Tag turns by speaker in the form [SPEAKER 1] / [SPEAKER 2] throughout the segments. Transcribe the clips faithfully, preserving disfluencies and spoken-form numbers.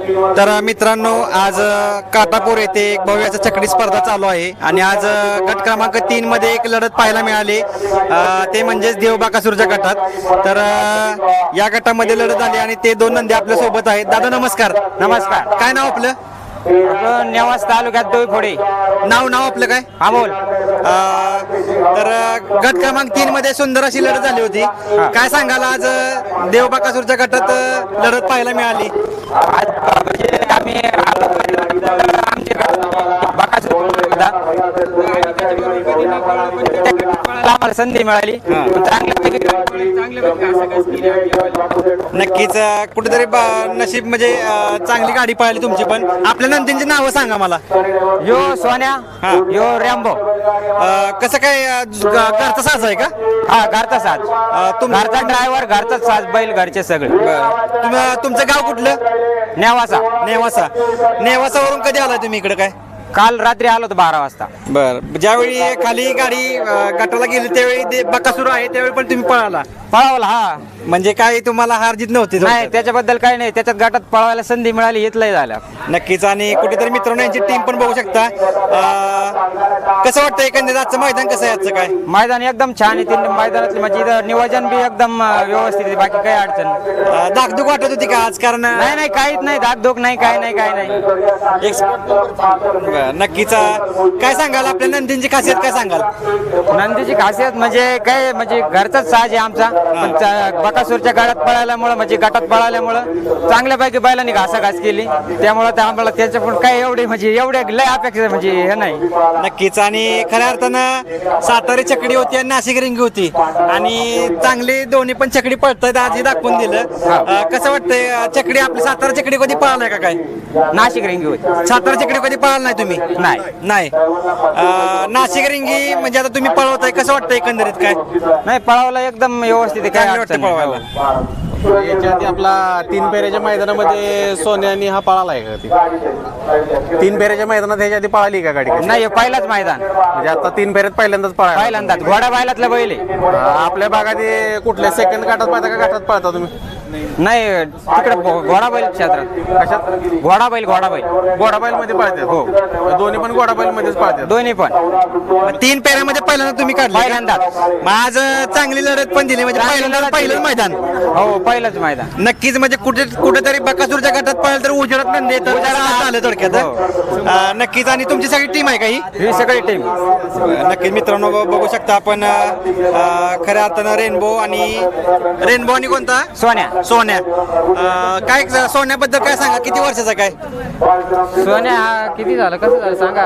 [SPEAKER 1] तर मित्रांनो आज अ, काटापूर येथे एक भव्य असं चकडी स्पर्धा चालू आहे आणि आज अ, गट क्रमांक तीन मध्ये एक लढत पाहायला मिळाली, अ, ते म्हणजेच देवबाकासूरच्या गटात. तर अ, या गटामध्ये लढत झाली आणि ते दोन नंदी आपल्या सोबत आहेत. दादा नमस्कार.
[SPEAKER 2] नमस्कार.
[SPEAKER 1] काय नाव आपलं?
[SPEAKER 2] आपलं नेवास तालुक्यात दोईफोडे.
[SPEAKER 1] नाव नाव आपलं काय?
[SPEAKER 2] अमोल.
[SPEAKER 1] अ, तर अ, गट क्रमांक तीन मध्ये सुंदर अशी लढत झाली होती. काय सांगाल आज अ, देवबाकासूरच्या गटात अ, लढत पाहायला मिळाली?
[SPEAKER 2] आज म्हणजे आम्ही आलो तर आमचे बाकासूर होता. आम्हाला संधी मिळाली.
[SPEAKER 1] नक्कीच अ, कुठेतरी ब- नशीब म्हणजे अ, चांगली गाडी पळाली तुमची. पण आपल्या नंदींची नावं सांगा मला.
[SPEAKER 2] यो सोन्या,
[SPEAKER 1] हा.
[SPEAKER 2] यो रॅम्बो.
[SPEAKER 1] अ, कसं काय अ, ज- ग- घरचा साज आहे का?
[SPEAKER 2] हा, घरचा साज.
[SPEAKER 1] अ, तुम-
[SPEAKER 2] घरचा ड्रायव्हर, घरचाच साज, बैल घरचे सगळे.
[SPEAKER 1] तुम- तुमचं गाव कुठलं?
[SPEAKER 2] नेवासा.
[SPEAKER 1] नेवासा. नेवासावरून कधी आलाय तुम्ही इकडे काय?
[SPEAKER 2] काल रात्री आलो होतो बारा वाजता.
[SPEAKER 1] बर, ज्यावेळी खाली गाडी अ, गटाला गेली त्यावेळी ते बकासूर आहे त्यावेळी पण तुम्ही पळाला
[SPEAKER 2] पळावला. हा,
[SPEAKER 1] म्हणजे काय तुम्हाला हार जीत नव्हती?
[SPEAKER 2] नाही त्याच्याबद्दल काही नाही. त्याच्यात गटात पळवायला संधी मिळाली, इथलंही झालं.
[SPEAKER 1] नक्कीच. आणि कुठेतरी मित्रांनो यांची टीम पण बघू शकता. अ, कसं वाटतं एकंदरीत आजचं मैदान कसं आहे? आजचं काय
[SPEAKER 2] मैदान एकदम छान आहे. तीन मैदानातली म्हणजे इथं नियोजन बी एकदम अं, व्यवस्थित आहे. बाकी काही अडचण नाही.
[SPEAKER 1] अ, धाकधूक वाटत होती का आज? कारण
[SPEAKER 2] नाही नाही काहीच नाही. धाकधूक नाही, काही नाही, काही नाही.
[SPEAKER 1] एक बरं, नक्कीच. अ, काय सांगाल आपल्या नंदींची खासियत काय सांगाल?
[SPEAKER 2] नंदीची खासियत म्हणजे काय, म्हणजे घरचाच साज आहे आमचा. पण त्या बकासूरच्या गटात पळाल्यामुळं म्हणजे गटात पळाल्यामुळं चांगल्यापैकी बैलांनी घासाघास केली. त्यामुळं त्या आम्हाला त्याच्या पण काय एवढे म्हणजे एवढे लय अपेक्षा म्हणजे हे नाही.
[SPEAKER 1] नक्कीच. आणि खऱ्या अर्थानं सातारी चकडी होती आणि नाशिक रिंगी होती आणि चांगली दोन्ही पण चकडी पळतायत आजही दाखवून दिलं. अ, कसं वाटतंय अ, चकडी आपली सातारा चकडी कधी पळालाय का काय?
[SPEAKER 2] नाशिक रिंगी होती.
[SPEAKER 1] सातारा चकडी कधी पळाला नाही तुम्ही?
[SPEAKER 2] नाही.
[SPEAKER 1] नाही. अ, नाशिक रिंगी म्हणजे आता तुम्ही पळवताय, कसं वाटतं एकंदरीत काय?
[SPEAKER 2] नाही, पळावला एकदम व्यवस्थित आहे, काय
[SPEAKER 1] चांगलं
[SPEAKER 2] अडचण
[SPEAKER 1] वाटतं
[SPEAKER 2] नाही.
[SPEAKER 1] पळवायला.
[SPEAKER 3] याच्या आधी आपला तीन पेऱ्याच्या मैदानामध्ये सोन्यानी हा पळाला आहे का ती? तीन पेऱ्याच्या मैदानात ह्याच्या आधी पळाली का गाडी?
[SPEAKER 2] नाही, पहिलाच मैदान.
[SPEAKER 3] म्हणजे आता तीन पेऱ्यात पहिल्यांदाच पळाला.
[SPEAKER 2] पहिल्यांदाच घोडा बैलातला बैल आहे.
[SPEAKER 3] आपल्या भागात हे कुठल्या सेकंड काटात पाहता का घाटात पळता तुम्ही?
[SPEAKER 2] नाही, तिकडे घोडा बैल क्षेत्रात.
[SPEAKER 3] कशात?
[SPEAKER 2] घोडा बैल, घोडा बैल.
[SPEAKER 3] गोडाबाईल मध्ये पळतात. हो, दोन्ही पण गोडाबाईल मध्येच पळतात.
[SPEAKER 2] दोन्ही पण
[SPEAKER 1] मग तीन पेऱ्यामध्ये पहिल्यांदा तुम्ही काढलं?
[SPEAKER 2] पहिल्यांदाच.
[SPEAKER 1] मग आज अ, चांगली लढत पण दिली म्हणजे पहिल्यांदा पहिलंच मैदान.
[SPEAKER 2] हो, पहिलंच मैदान.
[SPEAKER 1] नक्कीच. म्हणजे कुठे कुठेतरी बकासूरच्या गटात पळालं तर उजेडात नंदी येतं. आज आलं थोडक्यात. अ, नक्कीच. आणि तुमची सगळी टीम आहे का ही?
[SPEAKER 2] ही सगळी टीम.
[SPEAKER 1] नक्कीच मित्रांनो, ब- बघू शकता आपण अ, खऱ्या अर्थानं रेनबो आणि रेनबो आणि कोणता?
[SPEAKER 2] सोन्या.
[SPEAKER 1] सोन्या. अ, काय सोन्याबद्दल काय सांगा? किती वर्षाचा काय?
[SPEAKER 2] सोन्या हा किती झालं, कसं झालं सांगा?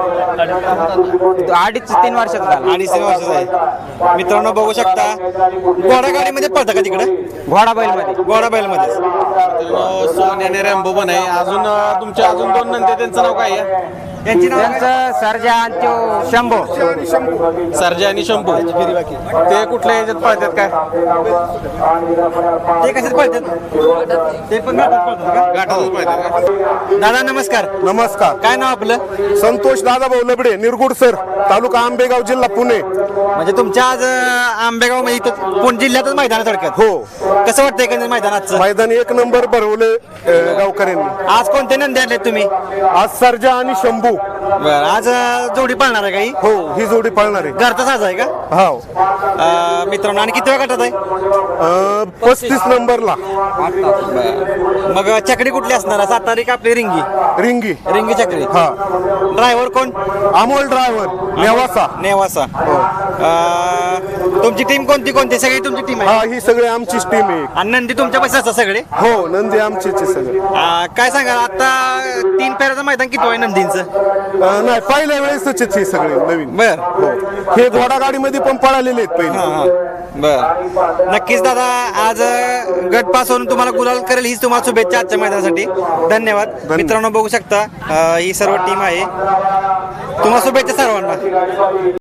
[SPEAKER 2] अडीच तीन वर्षाचा झाला.
[SPEAKER 1] अडीच तीन वर्षाचा आहे. मित्रांनो बघू शकता. घोडा गाडीमध्ये पळतं का तिकडे?
[SPEAKER 2] घोडा बैल मध्ये.
[SPEAKER 1] घोडा बैलमध्ये.
[SPEAKER 3] सोन्या आणि रॅम्बो पण आहे. अजून अं, तुमचे अजून दोन नंदी, त्यांचं नाव काय आहे?
[SPEAKER 1] त्यांची नाव काय?
[SPEAKER 2] त्यांचं सर्जा आणि तो शंभो.
[SPEAKER 3] सर्जा आणि शंभू. ते कुठल्या ह्याच्यात पळतात काय?
[SPEAKER 1] ते कशात पळतात? ते पण घाटात पळतात का?
[SPEAKER 3] घाटातच पळतात का?
[SPEAKER 1] दादा नमस्कार.
[SPEAKER 4] नमस्कार.
[SPEAKER 1] काय नाव आपलं?
[SPEAKER 4] संतोष दादाभाऊ लबडे, निरगुड सर, तालुका आंबेगाव, जिल्हा पुणे.
[SPEAKER 1] म्हणजे तुमच्या आज अ, आंबेगाव मध्ये इथं पुणे जिल्ह्यातच मैदान आहे थोडक्यात.
[SPEAKER 4] हो,
[SPEAKER 1] कसं वाटतं एकंदरीत मैदानाचं?
[SPEAKER 4] मैदान एक नंबर भरवले गावकऱ्यांनी.
[SPEAKER 1] आज कोणते नंदी आणले तुम्ही?
[SPEAKER 4] आज सर्जा आणि शंभू.
[SPEAKER 1] बरं, आज अ, जोडी पळणार आहे काही?
[SPEAKER 4] हो, ही जोडी पळणार आहे.
[SPEAKER 1] घरचा साज आहे का?
[SPEAKER 4] हो,
[SPEAKER 1] अ, मित्रांनो, आणि किती वेळ गटात आहे?
[SPEAKER 4] अं, पस्तीस नंबरला
[SPEAKER 1] मग चकडी कुठली असणार आहे? सातारी का आपली रिंगी?
[SPEAKER 4] रिंगी.
[SPEAKER 1] रिंगी चकडी.
[SPEAKER 4] हा,
[SPEAKER 1] ड्रायव्हर कोण?
[SPEAKER 4] अमोल ड्रायव्हर, नेवासा.
[SPEAKER 1] नेवासा. अ, तुमची टीम कोणती कोणती? सगळी तुमची टीम आहे?
[SPEAKER 4] हा, ही सगळी आमचीच टीम आहे.
[SPEAKER 1] आणि नंदी तुमच्या पैसे असतात सगळे?
[SPEAKER 4] हो, नंदी आमचीच आहे सगळे.
[SPEAKER 1] अ, काय सांगा आता तीन पेऱ्याचं मैदान किती आहे नंदींचं?
[SPEAKER 4] अं, नाही, पहिल्या वेळेसच आहेत हे सगळे नवीन.
[SPEAKER 1] बर.
[SPEAKER 4] हो, हे घोडा गाडीमध्ये पण पळालेले आहेत पहिले.
[SPEAKER 1] बर. नक्कीच दादा, आज अ, गट पास होऊन तुम्हाला गुलाल करेल हीच तुम्हाला शुभेच्छा आजच्या मैदानासाठी. धन्यवाद. मित्रांनो बघू शकता अ, ही सर्व टीम आहे. तुम्हाला शुभेच्छा सर्वांना.